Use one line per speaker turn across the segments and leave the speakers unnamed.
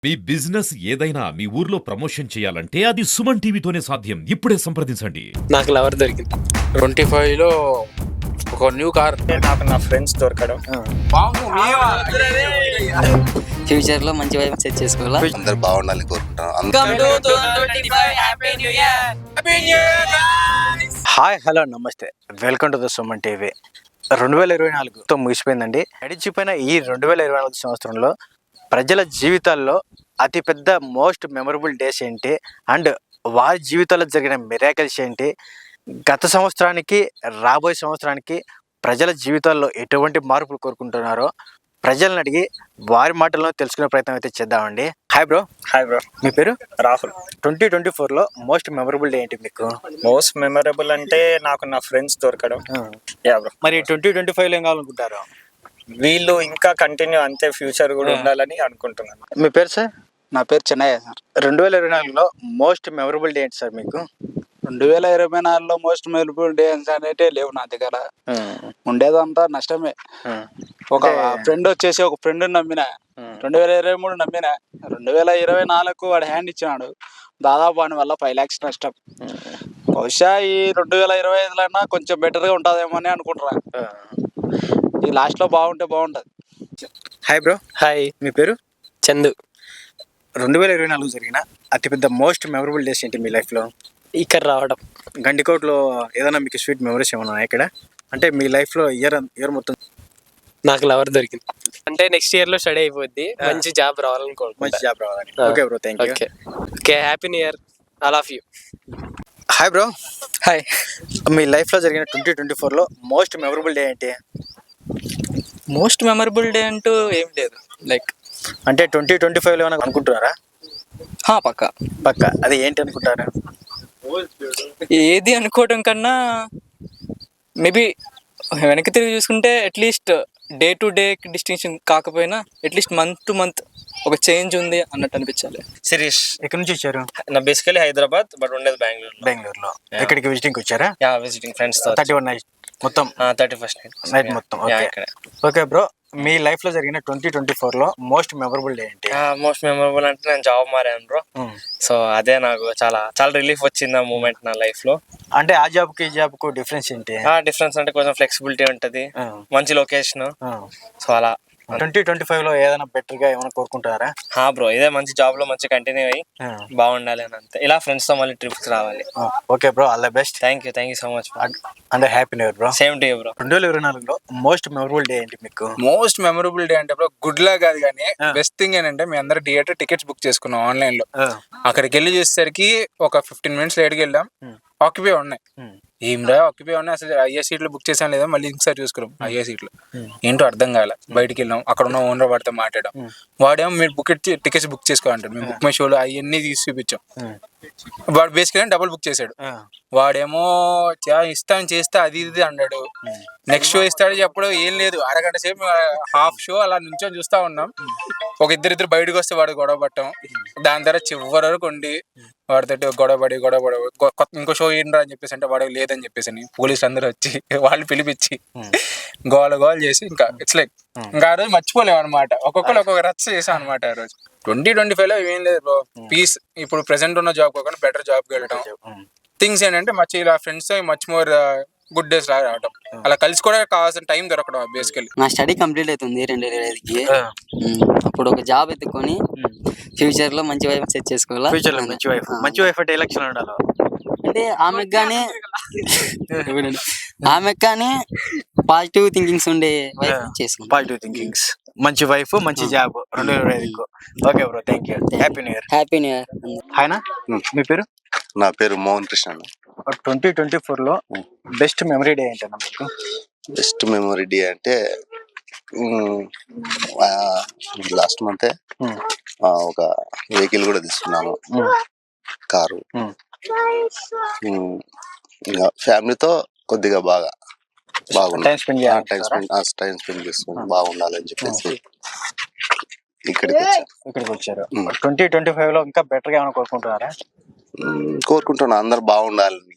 మీ business ఏదైనా మీ ఊర్లో promotion చేయాలంటే అది సుమన్ టీవీతోనే సాధ్యం. ఇప్పుడే సంప్రదించండి.
నాకు లవర్ దొరికింది
25లో ఒక న్యూ కార్.
నాకు నా ఫ్రెండ్స్ దొరకడం,
ఫ్యూచర్ లో మంచి వైపు సెట్ చేసుకోవాలా.
అందరు బాగుండాలని కోరుకుంటాను.
హాయ్ హలో నమస్తే, welcome to the Suman TV. 2024తో ముగిసిపోయిందండి. గడిచిపోయిన ఈ 2024 సంవత్సరంలో ప్రజల జీవితాల్లో అతిపెద్ద మోస్ట్ మెమరబుల్ డేస్ ఏంటి, అండ్ వారి జీవితాల్లో జరిగిన మిరాకిల్స్ ఏంటి, గత సంవత్సరానికి రాబోయే సంవత్సరానికి ప్రజల జీవితాల్లో ఎటువంటి మార్పులు కోరుకుంటున్నారో ప్రజలను అడిగి వారి మాటల్లో తెలుసుకునే ప్రయత్నం అయితే చేద్దామండి. Hi bro.
Hi bro.
మీ పేరు?
రాహుల్.
2024లో మోస్ట్ మెమరబుల్ డే ఏంటి మీకు?
మోస్ట్ మెమరబుల్ అంటే నాకు నా ఫ్రెండ్స్ దొరకడం. Yeah bro.
మరి 2025లో ఏం కావాలనుకుంటారు?
వీళ్ళు ఇంకా కంటిన్యూ అంతే ఫ్యూచర్ కూడా ఉండాలని అనుకుంటున్నాను.
మీ పేరు సార్?
నా పేరు చెన్నయ్య సార్.
2024లో మోస్ట్ మెమరబుల్ డే ఏంటి సార్ మీకు?
2024లో మోస్ట్ మెమరబుల్ డే అంటే లేవు నా దగ్గర. ఉండేదంతా నష్టమే. ఒక ఫ్రెండ్ వచ్చేసి ఒక ఫ్రెండ్ నమ్మిన 2023 నమ్మిన 2024 వాడు హ్యాండ్ ఇచ్చినాడు. దాదాపు వాడి వల్ల 5 lakhs నష్టం. బహుశా ఈ 2025లో కొంచెం బెటర్గా ఉంటుందేమో అని అనుకుంటున్నా. ఈ లాస్ట్లో బాగుంటే బాగుంటుంది.
Hi bro.
హాయ్,
మీ పేరు?
చందు.
2024 జరిగిన అతిపెద్ద మోస్ట్ మెమరబుల్ డేస్ ఏంటి మీ లైఫ్లో?
ఇక్కడ రావడం.
గండికోటలో ఏదైనా మీకు స్వీట్ మెమరీస్ ఏమైనా ఉన్నాయా ఇక్కడ? అంటే మీ లైఫ్లో ఇయర్ మొత్తం
నాకు లవర్ దొరికింది అంటే నెక్స్ట్ ఇయర్ లో స్టడీ అయిపోద్ది. మంచి జాబ్ రావాలని
మంచి జాబ్ రావాలని. Okay bro, thank you.
Okay, happy new year all of you.
Hi bro.
Hi.
మీ లైఫ్లో జరిగిన 2024లో మోస్ట్ మెమరబుల్ డే ఏంటి?
మోస్ట్ మెమరబుల్ డే అంటూ ఏం లేదు. లైక్
అంటే 2025లో ఏమైనా అనుకుంటున్నారా?
పక్క
అది ఏంటి అనుకుంటారా?
ఏది అనుకోవడం కన్నా మేబీ వెనక్కి తిరిగి చూసుకుంటే at least day to day distinction కాకపోయినా అట్లీస్ట్ మంత్ టు మంత్ ఒక చేంజ్ ఉంది అన్నట్టు అనిపించాలి.
శిరీష్.
ఎక్కడి నుంచి వచ్చారు?
నా బేసికలీ హైదరాబాద్, బట్ ఉండేది
బెంగళూరులో. ఎక్కడికి విజిటింగ్ వచ్చారా?
యా, విజిటింగ్ ఫ్రెండ్స్ తో.
31 నైట్ మొత్తం?
31st
నైట్ మొత్తం. ఓకే బ్రో, మీ లైఫ్ లో జరిగిన 2024లో మోస్ట్ మెమరబుల్ డే ఏంటి?
మోస్ట్ మెమరబుల్ అంటే నేను జాబ్ మారాను బ్రో. సో అదే నాకు చాలా చాలా రిలీఫ్ వచ్చింది ఆ మూమెంట్ నా లైఫ్ లో.
అంటే ఆ జాబ్ కి ఈ జాబ్ కు డిఫరెన్స్ ఏంటి?
డిఫరెన్స్ అంటే కొంచెం ఫ్లెక్సిబిలిటీ ఉంటది, మంచి లొకేషన్. సో అలా
2025లో ఏదైనా బెటర్ గా ఏమైనా కోరుకుంటారా?
బ్రో, ఇదే మంచి జాబ్ లో మంచి కంటిన్యూ అయ్యి బాగుండాలి అని అంతే. ఇలా ఫ్రెండ్స్ తో మళ్ళీ ట్రిప్స్ రావాలి.
Okay bro, all the best.
Thank you so much.
అంటే happy new year bro.
Same to you bro.
2024లో మోస్ట్ మెమరబుల్ డే ఏంటి మీకు?
మోస్ట్ మెమరబుల్ డే అంటే బ్రో గుడ్ లా కాదు కానీ బెస్ట్ థింగ్ ఏంటంటే మీ అందరు థియేటర్ టికెట్స్ బుక్ చేసుకున్నాం ఆన్లైన్ లో. అక్కడికి వెళ్ళి చూసేసరికి ఒక 15 minutes లేట్కి వెళ్ళాం, ఆక్యుపై ఉన్నాయి. ఏమిరా ఆక్యుపై ఉన్నాయి, అసలు ఐఏ సీట్లు బుక్ చేసాం లేదా మళ్ళీ ఇంకోసారి చూసుకున్నాం. ఐఏ సీట్లు ఏంటో అర్థం కాలే. బయటికి వెళ్ళాం, అక్కడ ఉన్న ఓనర్ వాడితో మాట్లాడాం. వాడేమో మీరు టికెట్స్ బుక్ చేసుకోవాలంటాడు. మేము బుక్ మై షోలో అవన్నీ తీసి చూపించాం. వాడు బేసిక్గా డబుల్ బుక్ చేశాడు. వాడేమో ఇస్తాను చేస్తే అది ఇది అన్నాడు. నెక్స్ట్ షో ఇస్తాడు చెప్పడం ఏం లేదు. అరగంట సేపు హాఫ్ షో అలా నుంచొని చూస్తా ఉన్నాం. ఒక ఇద్దరు బయటకు వస్తే వాడు గొడవ పట్టం. దాని తర్వాత చివరి వరకు ఉండి వాడితో గొడవపడి ఇంకో షో ఏంట్రా అని చెప్పేసి అంటే వాడు లేదని చెప్పేసి పోలీసులు అందరూ వచ్చి వాళ్ళు పిలిపించి గోల చేసి ఇంకా ఇట్స్ లైక్ ఇంకా ఆ రోజు మర్చిపోలేము అనమాట. ఒక్కొక్కరు ఒక్కొక్క రచ్చ చేసాం అనమాట ఆ రోజు. 2025లో ఏం లేదు బ్రో, పీస్. ఇప్పుడు ప్రెసెంట్ ఉన్న జాబ్ కాకుండా బెటర్ జాబ్కి వెళ్ళడం. థింగ్స్ ఏంటంటే మచ్ ఇలా friends much more good days రావడం, అలా కలిసి కూడా కావాల్సిన టైం దొరకడం. బేసికలీ
నా స్టడీ కంప్లీట్ అవుతుంది 2025కి. అప్పుడు ఒక జాబ్ ఎత్తుకొని ఫ్యూచర్ లో మంచి వైపు సెట్ చేసుకోవాలా.
ఫ్యూచర్ లో మంచి వైఫ్ అంటే ఎలక్షన్ ఉండాలి.
అంటే ఆమెకు కానీ పాజిటివ్ థింకింగ్స్ ఉండే వైఫ్ చేసుకుంటాం.
పాజిటివ్ థింకింగ్స్, మంచి వైఫ్, మంచి job 2025. Okay bro, thank you. Happy new year.
Happy new year.
హాయ్నా, మీ పేరు?
నా పేరు మోహన్ కృష్ణ.
2024లో బెస్ట్ మెమరీ డే ఏంటన్నా మీకు?
బెస్ట్ మెమరీ డే అంటే లాస్ట్ మంతే ఒక వెహికల్ కూడా తీసుకున్నాను, కారు. ఇంకా ఫ్యామిలీతో కొద్దిగా బాగుంది. టైం స్పెండ్ చేసుకుని బాగుండాలని చెప్పేసి
ఇక్కడికి వచ్చారు. 2025లో ఇంకా బెటర్ గా ఏమైనా
కోరుకుంటున్నా. అందరు బాగుండాలని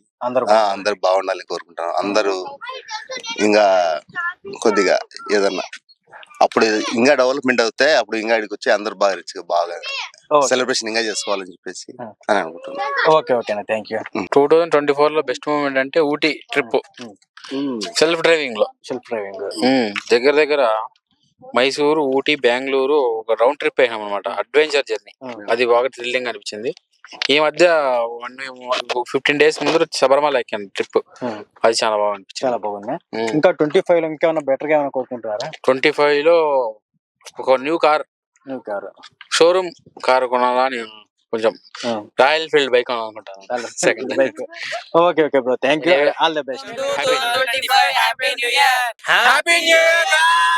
కోరుకుంటాను. అందరూ ఇంకా కొద్దిగా ఏదన్నా అప్పుడు ఇంకా డెవలప్మెంట్ అవుతే అప్పుడు ఇంకా ఇక్కడికి వచ్చి అందరు బాగా రిచ్ బాగా
Okay.
సెలబ్రేషన్ ఇంకా చేసుకోవాలని చెప్పేసి అని అనుకుంటున్నాను.
ఓకేనా, థ్యాంక్ యూ.
2024 లో బెస్ట్ మూమెంట్ అంటే ఊటీ ట్రిప్ సెల్ఫ్ డ్రైవింగ్ లో.
Self driving.
దగ్గర దగ్గర మైసూరు, ఊటీ, బెంగళూరు ఒక రౌండ్ ట్రిప్ అయినాం అనమాట. అడ్వెంచర్ జర్నీ, అది బాగా థ్రిల్లింగ్ అనిపించింది. ఈ మధ్య 15 days ముందు శబరిమల ఎక్కాను ట్రిప్, అది చాలా బాగా అనిపించింది.
చాలా బాగుంది. ఇంకా 25 లో ఇంకేమైనా బెటర్ గా ఏమైనా కోరుకుంటున్నారా?
25 లో ఒక న్యూ కార్ షోరూమ్ కార్ కొనాలా అని కొంచెం రాయల్ ఫీల్డ్ బైక్ కొనాలనుకుంటాను. Second
bike. Okay bro, thank you, all the best.
Happy new year.